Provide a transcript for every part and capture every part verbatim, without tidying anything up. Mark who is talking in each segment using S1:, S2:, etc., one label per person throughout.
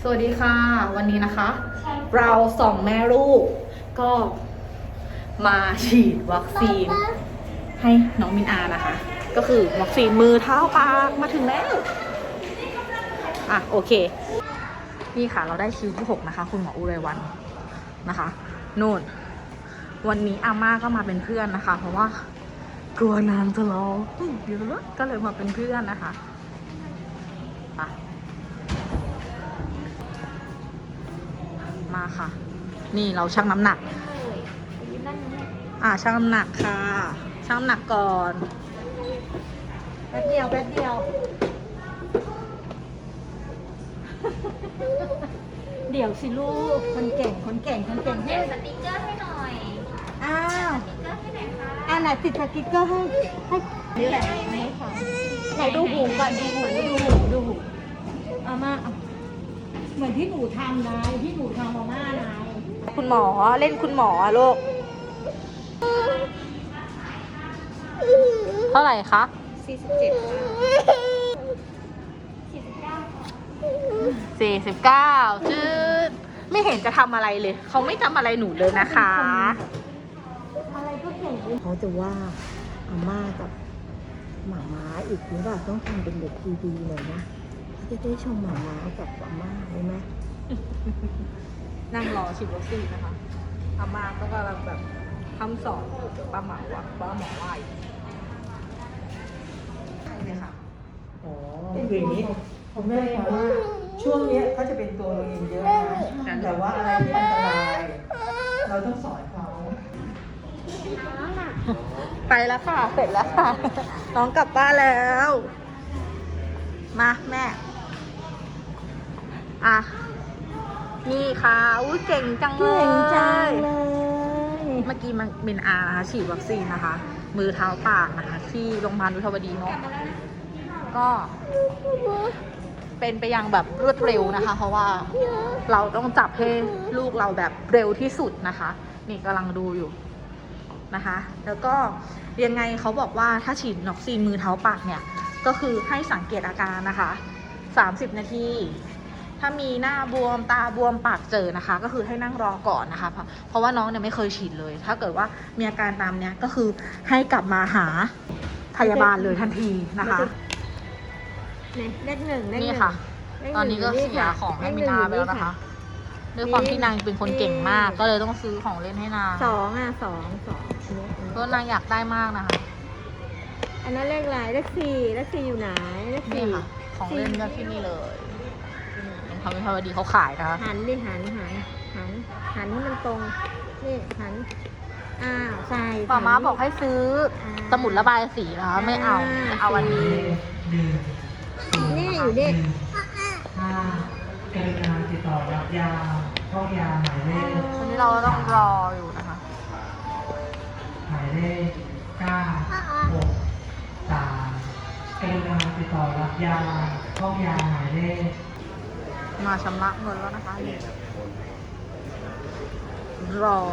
S1: สวัสดีค่ะวันนี้นะคะ เราสองแม่ลูกก็มาฉีดวัคซีนให้น้องมินอานะคะ ก็คือวัคซีนมือเท้าปากมาถึงแล้วอ่ะโอเคนี่ค่ะเราได้คิวที่หกนะคะคุณหมออุไรวันนะคะนู่นวันนี้อาม่าก็มาเป็นเพื่อนนะคะ เพราะว่ากลัวนางจะรอเยอะก็เลยมาเป็นเพื่อนนะคะไปมาค่ะนี่เราชั่งน้ำหนักอ่าชั่งน้ำหนักค่ะชั่งน้ำหนักก่อนแป๊บเดียวแป๊บเดียวเดี๋ยวสิลูกคนเก่งคนเก่งคนเก่งให้
S2: สติ๊กเกอร์ให้หน่อย
S1: อ้าว
S2: สติ๊กเกอร์ให้หน่อยค่ะ
S1: อ่าไหนติดสติ๊กเกอร์ให้ให้นี่แหละนี่ค่ะไหนดูหูก่อนดูหูดูหูดูหูอาม่าเหมือนที่หนูทำนะที่หนูทำมาม่านะคุณหมอเล่นคุณหมอลูกเท่าไหร่คะ
S2: สี่สิบเจ็ดค่ะสี่สิบเก้าค่ะ
S1: สี่สิบเก้าจืดไม่เห็นจะทำอะไรเลยเขาไม่ทำอะไรหนูเลยนะคะ
S3: อะไรก็เก่งเขาจะว่าอาม่ากับหมาม้าอีกหรือเปล่าต้องทำเป็นเด็กดีๆเลยนะจะได้ชมหมาม้ากับอาม่าได้ไหม
S1: นั่งรอฉีดวัคซีนนะคะอาม่าก็กำลังแบบทำสอนป้าหมอว่าป้าหมอว่าเนี่ยค่ะ
S4: อ๋อคืออย่างนี้คุณแม่คะว่าช่วงเนี้ยเขาจะเป็นตัวเราเองเยอะนะแต่ว่าอะไรที่อันตรายเราต้องสอนเขา
S1: ไปแล้วค่ะเสร็จแล้วค่ะน้องกลับบ้านแล้ว มาแม่อ่ะนี่ค่ะอุ้ยเก่งจังเลย
S3: เก่งจังเลย
S1: เมื่อกี้มันเป็นอานะคะฉีดวัคซีนนะคะ มือเท้าปากนะคะที่โรงพยาบาลวิภาวดีเนาะก็เป็นไปอย่างแบบรวดเร็วนะคะ เพราะว่าเราต้องจับให้ลูกเราแบบเร็วที่สุดนะคะ นี่กำลังดูอยู่นะคะ แล้วก็ยังไงเขาบอกว่าถ้าฉีดวัคซีนมือเท้าปากเนี่ยก็คือให้สังเกตอาการนะคะสามสิบนาทีถ้ามีหน้าบวมตาบวมปากเจอนะคะก็คือให้นั่งรอก่อนนะคะ เพราะเพราะว่าน้องเนี่ยไม่เคยฉีดเลย ถ้าเกิดว่ามีอาการตามเนี้ยก็คือให้กลับมาหาพยาบาลเลยทันทีนะคะ
S3: เลขหนึ่งเลขห
S1: นี่
S3: นึ่ง
S1: ค่ะ
S3: เลขหนึ่ง
S1: ตอนนี้ก็เสียของให้มินาไปแล้วนะคะด้วยความที่นางเป็นคนเก่งมากก็เลยต้องซื้อของเล่นให้นาง
S3: สองอ่ะสองสองอันนี้
S1: เพราะนางอยากได้มากนะคะ
S3: อันนั้นเลขอะไรเลขสี่เลขสี่อยู่ไหนเลข
S1: นี่
S3: สี่
S1: ค่ะของเล่นก็ที่นี่เลยทำให้พอดีเขาขายนะคะ
S3: หันดิหันหันหันหันให้มันตรงนี่หันอ้าวใส่
S1: ป้าม้าบอกให้ซื้อสมุดระบายสีนะคะไม่เอาจะเอาอันนี้
S3: นี่อยู่ดิ
S4: ถ้ากรุณาติดต่อรับยาเข้ายาหมายเลข
S1: วันนี้เราต้องรออยู่นะคะ
S4: หมายเลขเก้าหกสามกรุณาติดต่อรับยาเข้ายาหมายเลข
S1: มาชำระเงินแล้วนะคะนี่รอ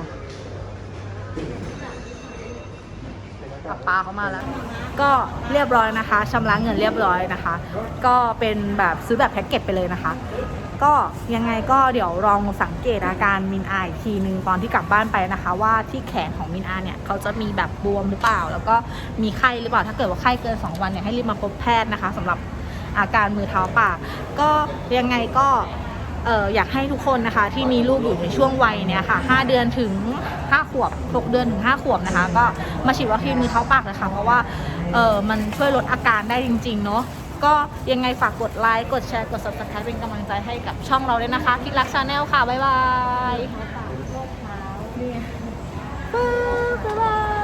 S1: ป้าป้าเขามาแล้ว ก็เรียบร้อยนะคะชำระเงินเรียบร้อยนะคะ ก็เป็นแบบซื้อแบบแพ็กเกจไปเลยนะคะ ก็ยังไงก็เดี๋ยวลองสังเกตอาการมินอาอีกทีนึงตอนที่กลับบ้านไปนะคะ ว่าที่แขนของมินอาเนี่ยเขาจะมีแบบบวมหรือเปล่า แล้วก็มีไข้หรือเปล่าถ้าเกิดว่าไข้เกินสองวันเนี่ยให้รีบมาพบแพทย์นะคะสำหรับอาการมือเท้าปากก็ยังไงก็เอออยากให้ทุกคนนะคะที่มีลูกอยู่ในช่วงวัยเนี่ยค่ะห้าเดือนถึงห้าขวบหกเดือนถึงห้าขวบนะคะก็มาฉีดวัคซีนมือเท้าปากเลยค่ะเพราะว่าเออมันช่วยลดอาการได้จริงๆเนาะก็ยังไงฝากกดไลค์กดแชร์กด ซับสไครบ์ เป็นกำลังใจให้กับช่องเราด้วยนะคะคิดรักชาแนลค่ะบ๊ายบาย
S3: โรคเท้า
S1: บ๊ายบาย